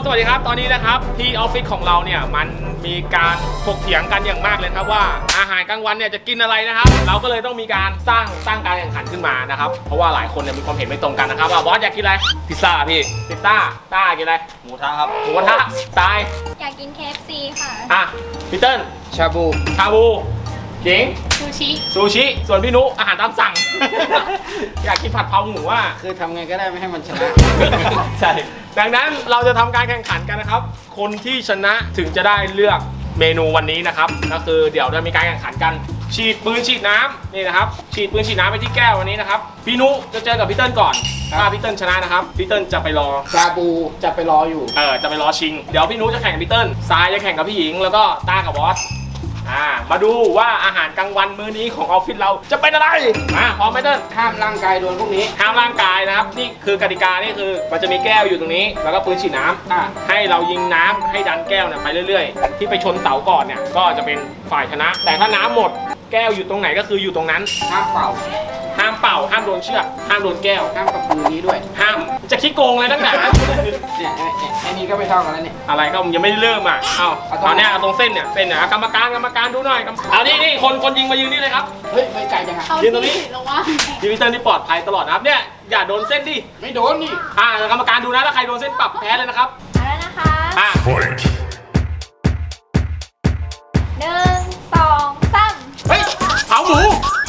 สวัสดีครับตอนนี้นะครับที่ออฟฟิศของเราเนี่ยมันมีการถกเถียงกันอย่างมากเลยครับว่าอาหารกลางวันเนี่ยจะกินอะไรนะครับเราก็เลยต้องมีการสร้างการแข่งขันขึ้นมานะครับเพราะว่าหลายคนเนี่ยมีความเห็นไม่ตรงกันนะครับว่าบอสอยากกินอะไรพิซซ่าพี่พิซซ่าต้ากินอะไรหมูกระทะครับหมูกระทะทรายอยากกิน KFC ค่ะพี่เติ้ลชาบูเจ๋งซูชิส่วนพี่นุอาหารตามสั่ง อยากกินผัดเผาหมูอ่ะคือทำไงก็ได้ไม่ให้มันชนะใช่ดังนั้นเราจะทำการแข่งขันกันนะครับคนที่ชนะถึงจะได้เลือกเมนูวันนี้นะครับก็คือเดี๋ยวจะมีการแข่งขันกันฉีดปืนฉีดน้ำนี่นะครับฉีดปืนฉีดน้ำไปที่แก้ววันนี้นะครับพี่นุจะเจอกับพี่เติ้ลก่อนถ้าพี่เติ้ลชนะนะครับพี่เติ้ลจะไปรอชาบูจะไปรออยู่จะไปรอชิงเดี๋ยวพี่นุจะแข่งกับพี่เติ้ลทรายจะแข่งกับพี่หญิงแล้วก็ต้ากับบอสมาดูว่าอาหารกลางวันมื้อนี้ของออฟฟิศเราจะเป็นอะไรพร้อมไหมเติ้ลห้ามร่างกายโดนพวกนี้ห้ามร่างกายนะครับนี่คือกติกานี่คือมันจะมีแก้วอยู่ตรงนี้แล้วก็ปืนฉีดน้ำให้เรายิงน้ำให้ดันแก้วเนี่ยไปเรื่อยๆที่ไปชนเสาก่อนเนี่ยก็จะเป็นฝ่ายชนะ แต่ถ้าน้ำหมดแก้วอยู่ตรงไหนก็คืออยู่ตรงนั้นห้ามเป่าห้ามโดนเชือกห้ามโดนแก้วห้ามกับปืนนี้ด้วยห้ามจะขี้โกงเลยตั้งแต่เนี่ยไอ้นี่ก็ไม่เท่ากันแล้วนี่อะไรก็ยังไม่ได้เริ่มเอาเนี่ยตรงเส้นเนี่ยกรรมการดูหน่อยเอานี่คนยิงมายืนนี่เลยครับเฮ้ยไม่ไกลจังยืนตรงนี้ยืนพี่เติ้ลที่ปลอดภัยตลอดนะครับเนี่ยอย่าโดนเส้นดิไม่โดนนี่กรรมการดูนะถ้าใครโดนเส้นปรับแพ้เลยนะครับแล้วนะคะ1 2 3 เฮ้ยเผาหมู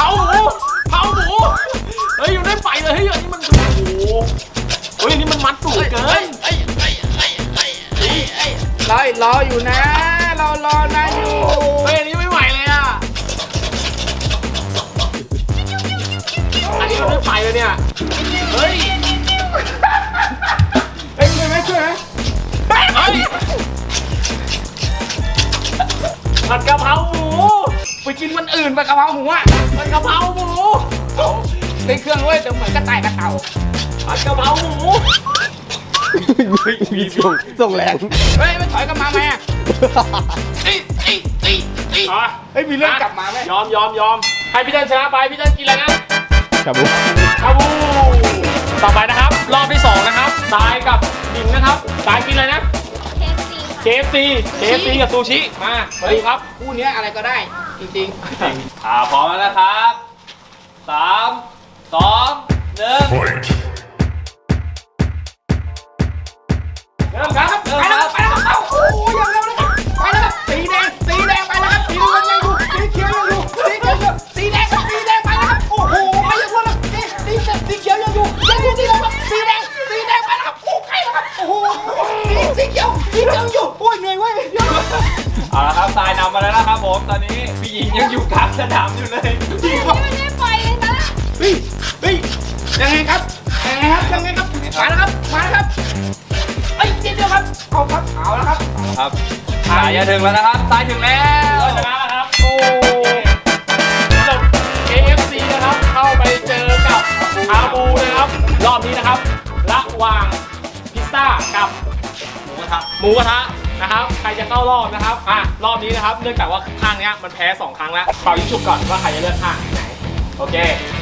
เฮ้ยอยู่ได้ไฟเลยเฮ้ยอันนี้มันโอ้โหเฮ้ยนี่มันมัดสูงเกินรออยู่นะเรารอนายอยู่เฮ้ยอันนี้ไม่ไหวเลยอันนี้มันได้ไฟเลยเนี่ยเฮ้ยช่วยไหมผัดกะเพราหมูไปกินวันอื่นไปกะเพราหมูผัดกะเพราหมูในเครื่องเว้ยแต่เหมือนกระต่ายกระเต่าผัดกะเพราหมูมีส่งแรงเฮ้ยไม่ถอยกลับมาไหมมีเรื่องกลับมาไหมยอมให้พี่เติ้ลชนะไปพี่เติ้ลกินอะไรนะชาบูต่อไปนะครับรอบที่2นะครับทรายกับหญิงนะครับทรายกินอะไรนะ KFC กับซูชิมาดูครับคู่นี้อะไรก็ได้จริงพร้อมแล้วนะครับ3 2 1เริ่มครับไปแล้วโอ้ยยังเร็วเลยไปแล้วครับสีแดงไปแล้วครับสีน้ำเงินยังอยู่สีเขียวยังอยู่สีแดงไปแล้วครับโอ้โหไปยังรวดเลยสีเขียวยังอยู่ที่ไหนครับสีแดงไปแล้วครับโอ้ใกล้แล้วครับโอ้โหสีเขียวยังอยู่โอ้ยเหนื่อยเว้ยเอาละครับทรายนำมาแล้วนะครับผมตอนนี้พี่หญิงยังอยู่กลางสนามอยู่เลยจริงครับไม่ได้ปล่อยเลยนะเฮ้ยยังไงครับมาแล้วครับเอ้ยเดียวครับเอาแล้วครับทรายจะถึงแล้วนะครับทรายถึงแล้วชนะแล้วครับโอ้KFC นะครับเข้าไปเจอกับชาบูนะครับรอบนี้นะครับระหว่างพิซซ่ากับหมูกระทะนะครับใครจะเข้ารอบนะครับรอบนี้นะครับเนื่องจากว่าข้างนี้มันแพ้2ครั้งแล้วเป่ายิงฉุบก่อนว่าใครจะเลือกข้างไหนโอเค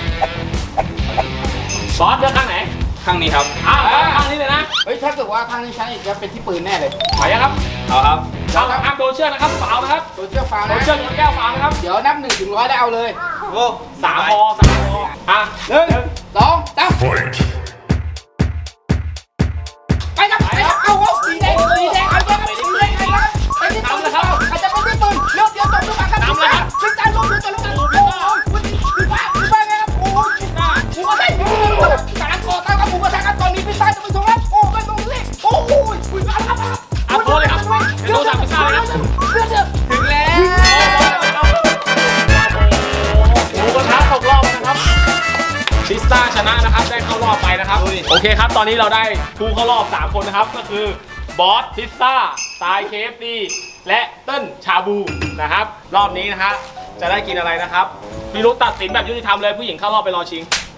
บอสเลือกข้างไหนข้างนี้ครับข้างนี้เลยนะเฮ้ยถ้าเกิดว่าข้างนี้ใช้จะเป็นที่ปืนแน่เลยไปยังครับเอาครับห้ามโดนเชือกนะครับฝาวนะครับโดนเชือกฝาวนะโดนเชือกแก้วฝาวนะครับเดี๋ยวนับ1 ถึง 100ได้เอาเลยโอ้3 พอ1 2 3ไปครับเอาสีแดงเอาสีแดงไปที่ปืนนะครับอาจจะเป็นที่ปืนเดี๋ยวจบด้วยกันครับน้ำเลยครับขึ้นการลงเดี๋ยวจบด้วยกันโอ้ยพี่ป้าไงครับโอ้ยหมูกระทะสารคอตั้งกับหมูกระทะกันตอนนี้พี่ป้าจะไปส่งแล้วโอ้ไม่ลงเลยโอ้ยคุยมาแล้วครับโทษเลยครับเดี๋ยวสั่งพิซซ่าเลยครับถึงแล้วหมูกระทะตกรอบนะครับพิซซ่าชนะนะครับได้เข้ารอบไปนะครับโอเคครับตอนนี้เราได้ผู้เข้ารอบ3 คนนะครับก็คือบอสพิซซ่าทราย KFC และเติ้ลชาบูนะครับรอบนี้นะฮะจะได้กินอะไรนะครับพี่รุ้ตัดสินแบบยุติธรรมเลยผู้หญิงเข้ารอบไปรอชิง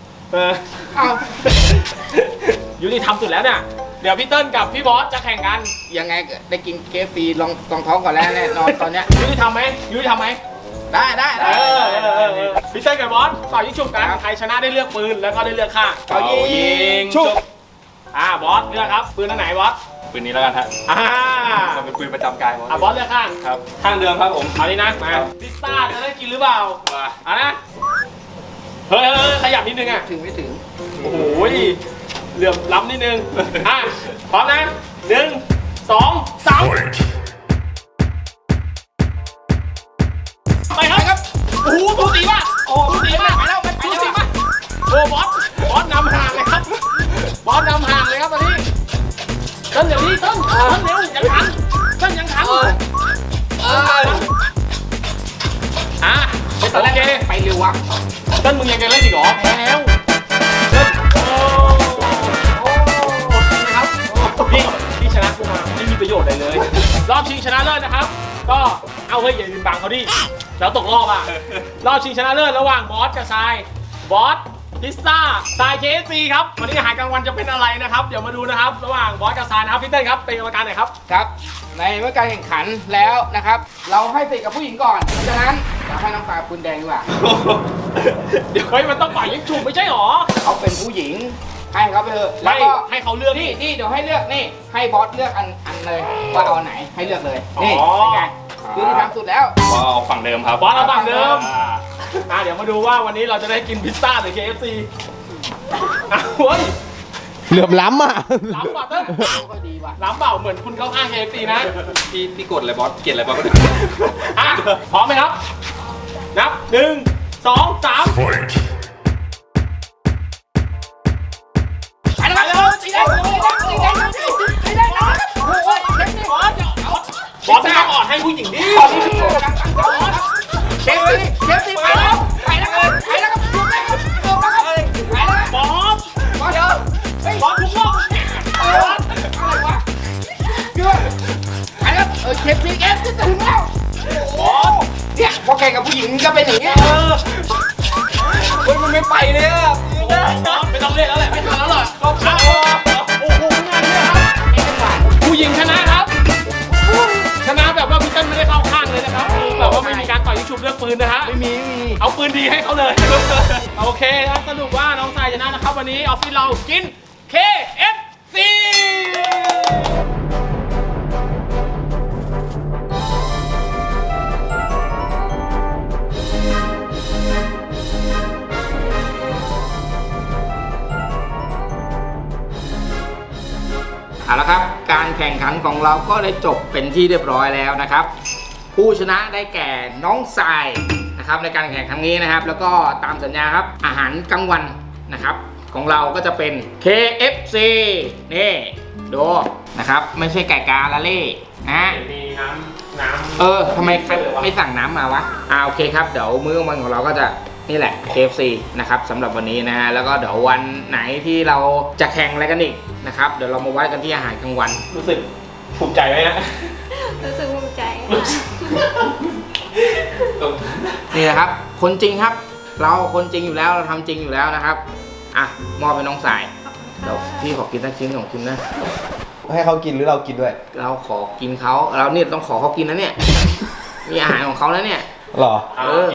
ยุติธรรมสุดแล้วเนี่ยเดี๋ยวพี่เติ้ลกับพี่บอสจะแข่งกันยังไงได้กินKFCลองท้องก่อนแล้วแน่นอนตอนเนี้ยยุติธรรมไหมได้พี่เติ้ลกับบอสต่อยิงฉุบกันใครชนะได้เลือกปืนแล้วก็ได้เลือกข้างต่อยิงฉุบบอสเลือกครับปืนอันไหนบอสปืนนี้แล้วกันฮะอ่ามันเป็นปืนประจำกายบอสเลือกข้างครับข้างเดิมครับผมเอานี้นะมาครับพิซซ่าจะได้กินหรือเปล่ามาเอานะเฮ้ยขยับนิดนึงอ่ะถึงไม่ถึงโอ้โหเหลื่อมล้ำนิดนึงอ่ะพร้อมนะ1 2 3ไปครับโอ้โหสูสีป่ะโอ้สูสีป่ะไปแล้วไปสูแล้วสีป่ะโอ้บอสนำห่างเลยครับบอสนำห่างเลยครับตอนนี้ต้นเดี๋ยวนี้ต้นเร็วยังทันต้นยังทันอ่ะโอเคไปเร็ววะต้นมึงยังจะเล่นอีกเหรอแพ้แล้วต้นโอ้นะครับพี่ชนะกูมาไม่มีประโยชน์อะไรเลย รอบชิงชนะเลิศนะครับ ก็เอาเฮ้ยอย่าลืมบังเขาดิแล้วตกรอบอ่ะรอบชิงชนะเลิศระหว่างบอสกับทรายบอสพิซซ่าทราย KFC ครับวันนี้อาหารกลางวันจะเป็นอะไรนะครับเดี๋ยวมาดูนะครับระหว่างบอสกับทรายนะครับพี่เต้นครับเป็นกรรมการหน่อยครับครับ ในเมื่อการแข่งขันแล้วนะครับ เราให้สิทธิ์กับผู้หญิงก่อนเพราะฉะนั้นเราให้น้องตาคุณแดงดีกว่าเดี๋ยวเฮ้ยมันต้องปล่อยยิงฉุบไม่ใช่หรอเขาเป็นผู้หญิงให้เขาไปเถอะแล้วไม่ก็ให้เขาเลือกนี่เดี๋ยวให้เลือกนี่ให้บอสเลือกอันเลยว่าเอาอันไหนให้เลือกเลยนี่อ๋อเป็นไงคือที่ทำสุดแล้วก็เอาฝั่งเดิมครับบอสเราฝั่งเดิมอ่าเดี๋ยวมาดูว่าวันนี้เราจะได้กินพิซซ่าหรือ KFC อ้าวเฮ้ยเหลื่อมล้ำอ่ะล้ำป่ะเต้นก็ดีว่ะล้ำเปล่าเหมือนคุณเข้าข้าง KFC นะพี่กดอะไรบอสเกลียดอะไรบอสก็ได้อ่ะพร้อมไหมครับ นับ1 2 3 ไปแล้วสีแดงสีแดงสีแดงโอ้ยเข็มนี่บอสไม่ต้องอ่อนให้ผู้หญิงดิเข็มสีไปแล้วไปแล้วครับไปแล้วครับไปแล้วครับไปแล้วบอสบอสเดี๋ยวบอสทุกรอบอะไรวะเกือบไปแล้วเข็มสีจะถึงแล้วโอ้เนี่ยพอแข่งกับผู้หญิงก็เป็นอย่างเงี้ยเฮ้ยมันไม่ไปเลยอ่ะไม่ต้องเล่นแล้วแหละไม่ทันแล้วหรอกโอ้โหงานเนี่ยครับผู้หญิงชนะครับ ชนะแบบว่าพี่เต้นไม่ได้เข้าข้างเลยนะครับแบบว่าไม่มีการต่อยยิงฉุบเรื่องปืนนะฮะไม่มีเอาปืนดีให้เขาเลย โอเคครับสรุปว่าน้องทรายชนะนะครับ วันนี้ออฟฟิศเรากิน KFC เอาละครับการแข่งขันของเราก็ได้จบเป็นที่เรียบร้อยแล้วนะครับ ผู้ชนะได้แก่น้องทรายนะครับในการแข่งครั้งนี้นะครับ แล้วก็ตามสัญญาครับอาหารกลางวันนะครับของเราก็จะเป็น KFC นี่ดูนะครับไม่ใช่ไก่กาละเล่นะมีน้ำทำไมไม่สั่งน้ำมาวะโอเคครับเดี๋ยวมื้อกลางวันของเราก็จะนี่แหละ KFC นะครับสำหรับวันนี้นะฮะแล้วก็เดี๋ยววันไหนที่เราจะแข่งอะไรกันอีกนะครับเดี๋ยวเรามาวัดกันที่อาหารกลางวันรู้สึกภูมิใจไหมฮะรู้สึกภูมิใจนี่นะครับคนจริงครับ เราคนจริงอยู่แล้วเราทำจริงอยู่แล้วนะครับอ่ะมอบไปน้องสายเดี๋ยวพี่ขอกินสักชิ้น2ชิ้นนะให้เขากินหรือเรากินด้วยเราขอกินเขาเราเนี่ยต้องขอเขากินนะเนี่ยมีอาหารของเขาแล้วเนี่ยหรอเออ